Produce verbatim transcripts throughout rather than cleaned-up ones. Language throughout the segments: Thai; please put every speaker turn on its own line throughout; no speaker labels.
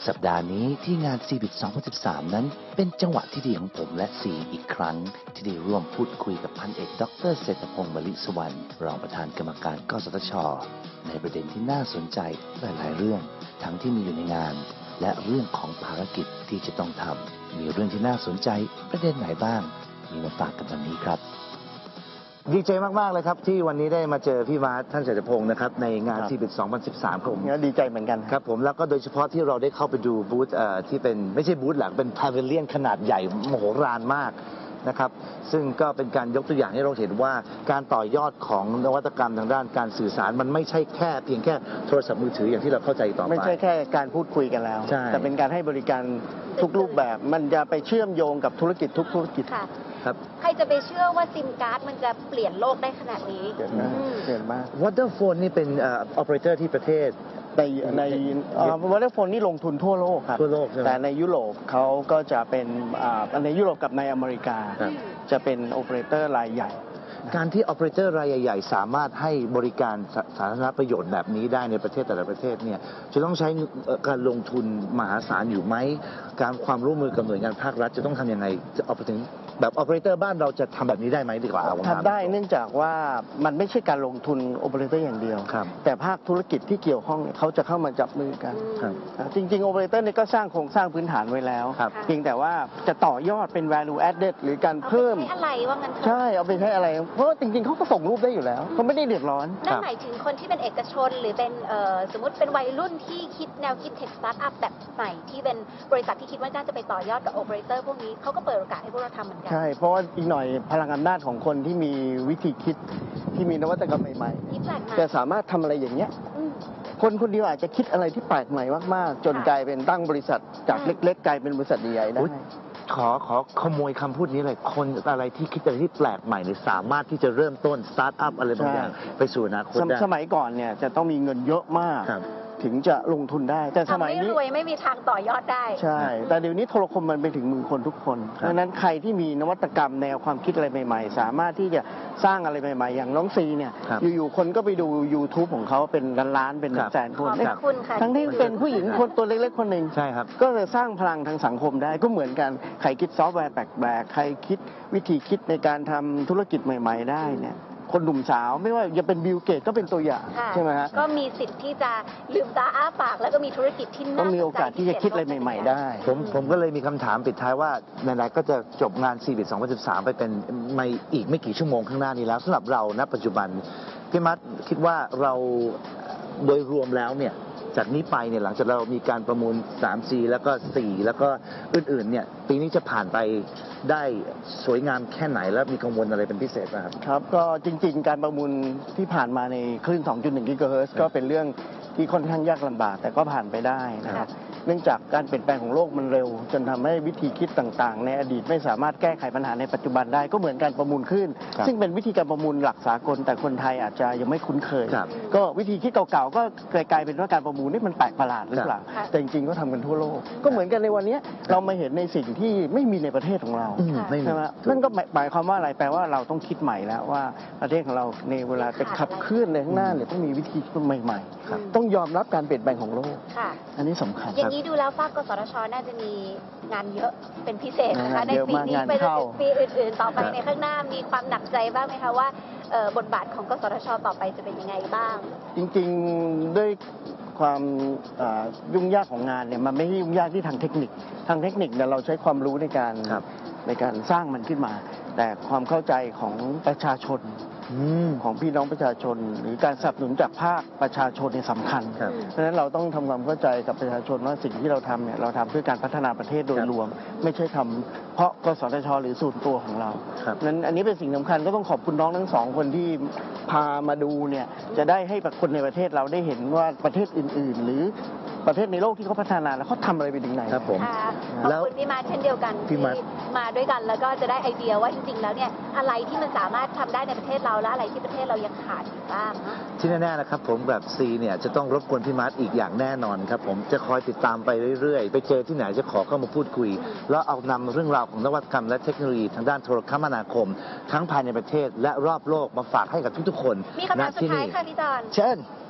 สัปดาห์นี้ที่งาน ซี บิ ที สองพันสิบสาม นั้นเป็นจังหวะที่ดีของผมและซีอีกครั้งที่ได้ร่วมพูดคุยกับพันเอกดรเศรษฐพงศ์มลิสวรรณรองประธานกรรมการกสทช.ในประเด็นที่น่าสนใจหลายๆเรื่องทั้งที่มีอยู่ในงานและเรื่องของภารกิจที่จะต้องทำมีเรื่องที่น่าสนใจประเด็นไหนบ้างมีมาฝากกันวันนี้ครับดีใจมากๆเลยครับที่วันนี้ได้มาเจอพี่มาร์ทท่านเศรษฐพงศ์นะครับในงาน ซี บิ ที สองพันสิบสามครับผม
ดีใจเหมือนกัน
ครับผมแล้วก็โดยเฉพาะที่เราได้เข้าไปดูบูธที่เป็นไม่ใช่บูธหลักเป็นพาวิเลียนขนาดใหญ่มโหฬารมากนะครับซึ่งก็เป็นการยกตัวอย่างให้เราเห็นว่าการต่อยอดของนวัตกรรมทางด้านการสื่อสารมันไม่ใช่แค่เพียงแค่โทรศัพท์มือถืออย่างที่เราเข้าใจต่อไป
ไม่ใช่แค่การพูดคุยกันแล้วแต่เป็นการให้บริการทุกรูปแบบมันจะไปเชื่อมโยงกับธุรกิจทุกธุรกิจ
ครับใครจะไปเชื่อว่าซิมการ์ดมันจะเปลี่ยนโลกได้ขนาดนี้
เกิดมากเกิดมาก
วอเตอร์โฟนนี่เป็นออเปอเรเตอร์ที่ประเทศ
ในในวอเตอร์โฟนนี่ลงทุนทั่วโลกครับ
ทั่วโลก
แต่ในยุโรปเขาก็จะเป็นในยุโรปกับในอเมริกาจะเป็นโอเปอเรเตอร์รายใหญ่
การที่ o อ e r a t o r รายใหญ่ๆสามารถให้บริการสาธารณประโยชน์แบบนี้ได้ในประเทศแต่ละประเทศเนี่ยจะต้องใช้การลงทุนมหาศาลอยู่ไหมการความร่วมมือกับหน่วยงานภาครัฐจะต้องทำยังไงจะเอาไปถึงแบบ o อ e r a t o r บ้านเราจะทำแบบนี้ได้ไหมดีกว่า
ทำได้เนื่องจากว่ามันไม่ใช่การลงทุน o อ e r a t o r อย่างเดียวแต่ภาคธุรกิจที่เกี่ยวข้องเขาจะเข้ามาจับมือกันจริงๆ o อ e r a t o r เนี่ยก็สร้างโครงสร้างพื้นฐานไว้แล้วเพียงแต่ว่าจะต่อยอดเป็น value added หรือการเพิ่ม
อะไรว่างั้น
ใช่เอาไปใช้อะไรเพราะจริงๆเขาก็ส่งรูปได้อยู่แล้วเขาไม่ได้เดือดร้อน
นั่นหมายถึงคนที่เป็นเอกชนหรือเป็นสมมติเป็นวัยรุ่นที่คิดแนวคิดเทคสตาร์ทอัพแบบใหม่ที่เป็นบริษัทที่คิดว่าน่าจะไปต่อยอดกับโอเปอเรเตอร์พวกนี้เขาก็เปิดโอกาสให้พวกเราทำเหมือนกัน
ใช่เพราะว่าอีกหน่อยพลังอำนาจของคนที่มีวิธีคิดที่มีนวัตกรรมใหม่ๆจะสามารถทำอะไรอย่างเงี้ยคนคนเดียวอาจจะคิดอะไรที่แปลกใหม่มากๆจนกลายเป็นตั้งบริษัทจากเล็กๆกลายเป็นบริษัทใหญ่ๆได้
ขอขอขโมยคำพูดนี้เลยคนอะไรที่คิดอะไรที่แปลกใหม่เนี่ยสามารถที่จะเริ่มต้นสตาร์ทอัพอะไรบางอย่างไปสู่อนาคตได้
สมัยก่อนเนี่ยจะต้องมีเงินเยอะมากถึงจะลงทุนได้แต่สมัยนี้
รวยไม่มีทางต่อยอดได้
ใช่แต่เดี๋ยวนี้โทรคมมันไปถึงมือคนทุกคนดังนั้นใครที่มีนวัตกรรมแนวความคิดอะไรใหม่ๆสามารถที่จะสร้างอะไรใหม่ๆอย่างน้องซีเนี่ยอยู่ๆคนก็ไปดู YouTube ของเขาเป็นล้านๆเป็นแสนคนทั้งที่เป็นผู้หญิงคนตัวเล็กๆคนหนึ่ง
ใช่ครับ
ก็จะสร้างพลังทางสังคมได้ก็เหมือนกันใครคิดซอฟต์แวร์แปลกๆใครคิดวิธีคิดในการทำธุรกิจใหม่ๆได้เนี่ยคนหนุ่มสาวไม่ว่าจะเป็นบิลเกตก็เป็นตัวอย่างใช่ไหมฮะ
ก็มีสิทธิ์ที่จะลืมตาอ้าปากแล้วก็มีธุรกิจที่น่าสนใจ
ก็มีโอกาสที่จะคิดอะไรใหม่ๆได้
ผมผมก็เลยมีคำถามปิดท้ายว่าในไหนๆก็จะจบงาน ซี บิ ที สองพันสิบสามไปเป็นไม่อีกไม่กี่ชั่วโมงข้างหน้านี้แล้วสำหรับเราณปัจจุบันพี่มัดคิดว่าเราโดยรวมแล้วเนี่ยจากนี้ไปเนี่ยหลังจากเรามีการประมูล สาม ซี แล้วก็สี่แล้วก็อื่นๆเนี่ยปีนี้จะผ่านไปได้สวยงามแค่ไหนและมีกังวลอะไรเป็นพิเศษไหมครับ
ครับก็จริงๆการประมูลที่ผ่านมาในคลื่น สองจุดหนึ่ง กิกะเฮิรตซ์ก็เป็นเรื่องที่ค่อนข้างยากลำบากแต่ก็ผ่านไปได้นะครับเนื่องจากการเปลี่ยนแปลงของโลกมันเร็วจนทำให้วิธีคิดต่างๆในอดีตไม่สามารถแก้ไขปัญหาในปัจจุบันได้ก็เหมือนการประมูลคลื่นซึ่งเป็นวิธีการประมูลหลักสากลแต่คนไทยอาจจะยังไม่คุ้นเคยก็วิธีคิดเก่าๆก็กลายเป็นว่าการประมูลนี่มันแปลกประหลาดหรือเปล่าแต่จริงๆก็ทำกันทั่วโลกก็เหมือนกันในวันนี้เรามาเห็นในสิ่งที่ไม่มีในประเทศของเราใช่ไหมนั่นก็หมายความว่าอะไรแปลว่าเราต้องคิดใหม่แล้วว่าประเทศของเราในเวลาจะขับเคลื่อนในข้างหน้าเนี่ยต้องมีวิธีคิดใหม่ๆต้องยอมรับการเปลี่ยนแปลงของโลกอันนี้สำคัญ
อย่างนี้ดูแล้วฝากกสทช.น่าจะมีงานเยอะเป็นพิเศษนะคะในปีนี้ไปจนถึงปีอื่นๆต่อไปในข้างหน้ามีความหนักใจบ้างไหมคะว่าบทบาทของกสทช.ต่อไปจะเป็นยังไงบ้าง
จริงๆด้วยความยุ่งยากของงานเนี่ยมันไม่ใช่ยุ่งยากที่ทางเทคนิคทางเทคนิคเนี่ยเราใช้ความรู้ในการในการสร้างมันขึ้นมาแต่ความเข้าใจของประชาชนของพี่น้องประชาชนหรือการสนับสนุนจากภาคประชาชนเนี่ยสำคัญเพราะฉะนั้นเราต้องทำความเข้าใจกับประชาชนว่าสิ่งที่เราทำเนี่ยเราทำเพื่อการพัฒนาประเทศโดยรวมไม่ใช่ทำเพราะกสทช.หรือส่วนตัวของเรานั้นอันนี้เป็นสิ่งสำคัญก็ต้องขอบคุณน้องทั้งสองคนที่พามาดูเนี่ยจะได้ให้คนในประเทศเราได้เห็นว่าประเทศอื่นๆหรือประเทศในโลกที่เขาพัฒนาแล้วเขาทำอะไรไปถึงไหน
ครับผม
ขอบคุณพี่มาเช่นเดียวกันที่มาด้วยกันแล้วก็จะได้ไอเดียว่าจริงๆแล้วเนี่ยอะไรที่มันสามารถทำได้ในประเทศเราและอะไรที่ประเทศเรายังขาดอยู่บ้าง
ที่แน่ๆนะครับผมแบบซีเนี่ยจะต้องรบกวนพี่มาร์ทอีกอย่างแน่นอนครับผมจะคอยติดตามไปเรื่อยๆไปเจอที่ไหนจะขอเข้ามาพูดคุยแล้วเอานำเรื่องราวของนวัตกรรมและเทคโนโลยีทางด้านโทรคมนาคมทั้งภายในประเทศและรอบโลกมาฝากให้กับทุกๆคน
มีคำถามสุดท้ายค่ะพี่จอน
เชิญ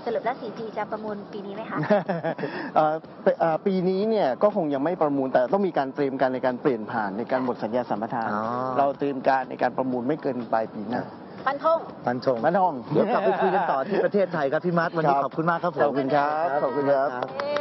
สรุปแล้ว สี่ จี จะประมูลปีนี้ไหมคะ
เอ่อเอ่อปีนี้เนี่ยก็คงยังไม่ประมูลแต่ต้องมีการเตรียมการในการเปลี่ยนผ่านในการหมดสัญญาสัมปทาน
อ๋อ
เราเตรียมการในการประมูลไม่เกินปลายปีหน้า
ฟันธง
ฟันธง
มาทอง
เดี๋ยวกลับไปคุยกันต่อที่ประเทศไทยครับพี่มาร์ทวันนี้ขอบคุณมากครับผม
ขอบคุณครับขอบคุณครับ
เอ่อ